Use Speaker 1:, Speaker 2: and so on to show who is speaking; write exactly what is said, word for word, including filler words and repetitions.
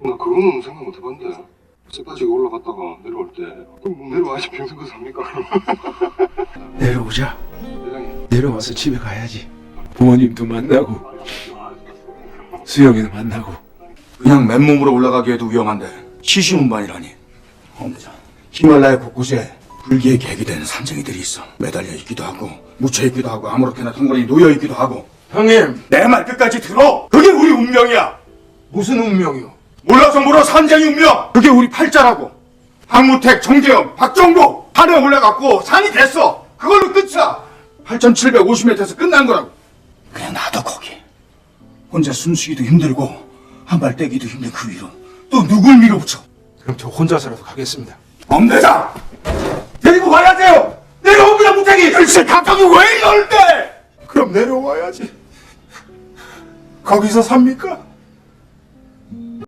Speaker 1: 나 그거는 생각 못 해봤는데 쇠빠지게 올라갔다가 내려올 때 그럼 뭐 내려와야지 평생 그 삽니까?
Speaker 2: 내려오자.
Speaker 1: 대장님
Speaker 2: 내려와서 집에 가야지. 부모님도 만나고 수영이도 만나고.
Speaker 3: 그냥 맨몸으로 올라가기에도 위험한데 시시운반이라니. 엄자 히말라야 곳곳에 불기의 객이 되는 산쟁이들이 있어. 매달려 있기도 하고 묻혀 있기도 하고 아무렇게나 덩그러니 놓여 있기도 하고.
Speaker 2: 형님,
Speaker 3: 내 말 끝까지 들어. 그게 우리 운명이야.
Speaker 2: 무슨 운명이요?
Speaker 3: 몰라서 물어. 산쟁이 운명. 그게 우리 팔자라고. 박무택, 정재영, 박정복 산에 올라갔고 산이 됐어. 그걸로 끝이야. 팔천칠백오십 미터에서 끝난 거라고. 그냥 놔둬 거기. 혼자 숨쉬기도 힘들고 한 발 떼기도 힘든 그 위로 또 누굴 밀어붙여.
Speaker 2: 그럼 저 혼자서라도 가겠습니다.
Speaker 3: 엄대장 데리고 가야 돼요. 내려옵니다. 무택이. 글쎄 갑자기 왜 이럴 때.
Speaker 2: 그럼 내려와야지. 거기서 삽니까?